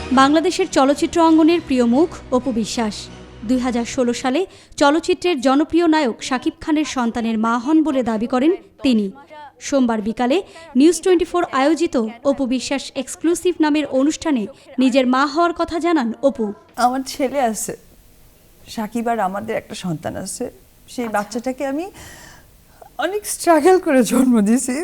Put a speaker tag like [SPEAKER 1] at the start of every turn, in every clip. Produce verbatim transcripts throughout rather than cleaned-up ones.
[SPEAKER 1] বাংলাদেশের চলচ্চিত্র অঙ্গনের প্রিয় মুখ অপু বিশ্বাস দুই হাজার ষোলো সালে চলচ্চিত্রের জনপ্রিয় নায়ক শাকিব খানের সন্তানের মা হন বলে দাবি করেন তিনি। সোমবার বিকালে নিউজ টোয়েন্টি ফোর আয়োজিত অপু বিশ্বাস এক্সক্লুসিভ নামের অনুষ্ঠানে নিজের মা হওয়ার কথা জানান অপু।
[SPEAKER 2] আমার ছেলে আছে, শাকিব আর আমাদের একটা সন্তান আছে। সেই বাচ্চাটাকে আমি অনেক স্ট্রাগল করে জন্ম দিয়েছি।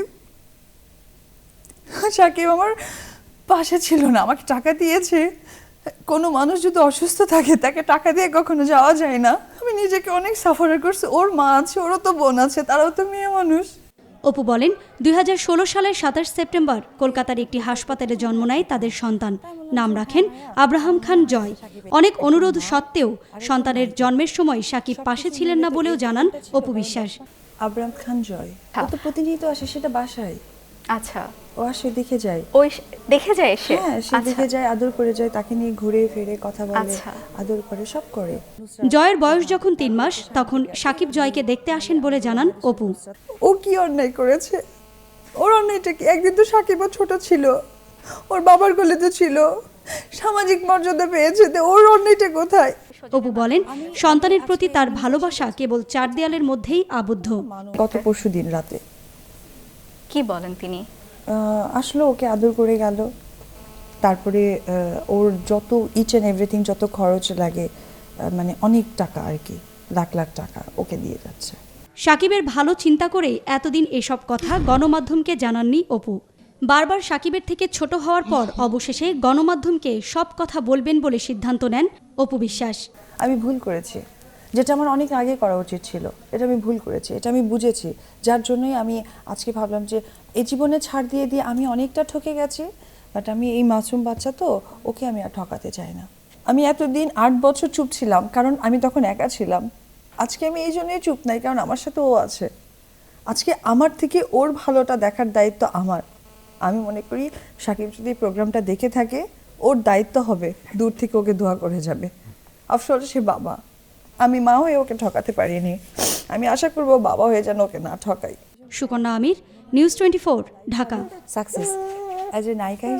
[SPEAKER 2] শাকিব আমার পাশে ছিল না, আমাকে টাকা দিয়েছে। কোনো মানুষ যদি অসুস্থ থাকে তাকে টাকা দিয়ে কখনো যাওয়া যায় না। আমি নিজেকে অনেক সাফার করছি। ওর মা আছে, ওরও তো বোন আছে, তারাও তো মেয়ে মানুষ।
[SPEAKER 1] অপু বলেন, দুই হাজার ষোলো সালের সাতাশ সেপ্টেম্বর কলকাতার একটি হাসপাতালে জন্ম নেয় তাদের সন্তান। নাম রাখেন আব্রাহাম খান জয়। অনেক অনুরোধ সত্ত্বেও সন্তানের জন্মের সময় শাকিব পাশে ছিলেন না বলেও জানান অপু বিশ্বাস।
[SPEAKER 2] আব্রাহাম খান জয় ও তো প্রতিনিয়ত আসে, সেটা বাসায়।
[SPEAKER 3] আচ্ছা,
[SPEAKER 2] ও আসে, দেখে যায়।
[SPEAKER 3] ওই দেখে যায় সে?
[SPEAKER 2] হ্যাঁ, সে দেখে যায়, আদর করে যায়, তাকে নিয়ে ঘুরে ফিরে কথা বলে,
[SPEAKER 3] আচ্ছা।
[SPEAKER 2] আদর করে, সব করে।
[SPEAKER 1] জয়ের বয়স যখন তিন মাস তখন শাকিব জয়কে দেখতে আসেন বলে জানান অপু।
[SPEAKER 2] ও কি অন্যায় করেছে? ওর অন্যায়টা কি? একদিন তো সাকিবও ছোট ছিল, ওর বাবার কোলে তো ছিল, সামাজিক মর্যাদা পেয়েছে, তো ওর অন্যায়টা কোথায়?
[SPEAKER 1] অপু বলেন, সন্তানের প্রতি তার ভালোবাসা কেবল চার দেয়ালের মধ্যেই আবদ্ধ।
[SPEAKER 2] গত পরশু দিন রাতে
[SPEAKER 3] কি বলেন তিনি?
[SPEAKER 2] আসলে ওকে আদর করে গেল। তারপরে ওর যত ইচ অ্যান্ড এভরিথিং, যত খরচ লাগে, মানে অনেক টাকা আর কি, লাখ লাখ টাকা ওকে দিয়ে যাচ্ছে।
[SPEAKER 1] শাকিবের ভালো চিন্তা করে এতদিন এসব কথা গণমাধ্যমকে জানাননি অপু। বারবার শাকিবের থেকে ছোট হওয়ার পর অবশেষে গণমাধ্যমকে সব কথা বলবেন বলে সিদ্ধান্ত নেন অপু বিশ্বাস।
[SPEAKER 2] আমি ভুল করেছি, যেটা আমার অনেক আগে করা উচিত ছিল। এটা আমি ভুল করেছি, এটা আমি বুঝেছি। যার জন্যই আমি আজকে ভাবলাম যে এই জীবনে ছাড় দিয়ে দিয়ে আমি অনেকটা ঠকে গেছি, বাট আমি এই মাসুম বাচ্চা তো, ওকে আমি আর ঠকাতে চাই না। আমি এতদিন আট বছর চুপ ছিলাম, কারণ আমি তখন একা ছিলাম। আজকে আমি এই জন্যই চুপ নাই, কারণ আমার সাথে ও আছে। আজকে আমার থেকে ওর ভালোটা দেখার দায়িত্ব আমার। আমি মনে করি শাকিব যদি প্রোগ্রামটা দেখে থাকে, ওর দায়িত্ব হবে দূর থেকে ওকে দোয়া করে যাবে। আফসোস সে বাবা, আমি মা হয়ে ওকে ঠকাতে পারিনি। আমি আশা করবো বাবা হয়ে যেন ওকে না ঠকাই।
[SPEAKER 1] Sukanya Amir, news twenty four, Dhaka.
[SPEAKER 2] Success as a নায়িকা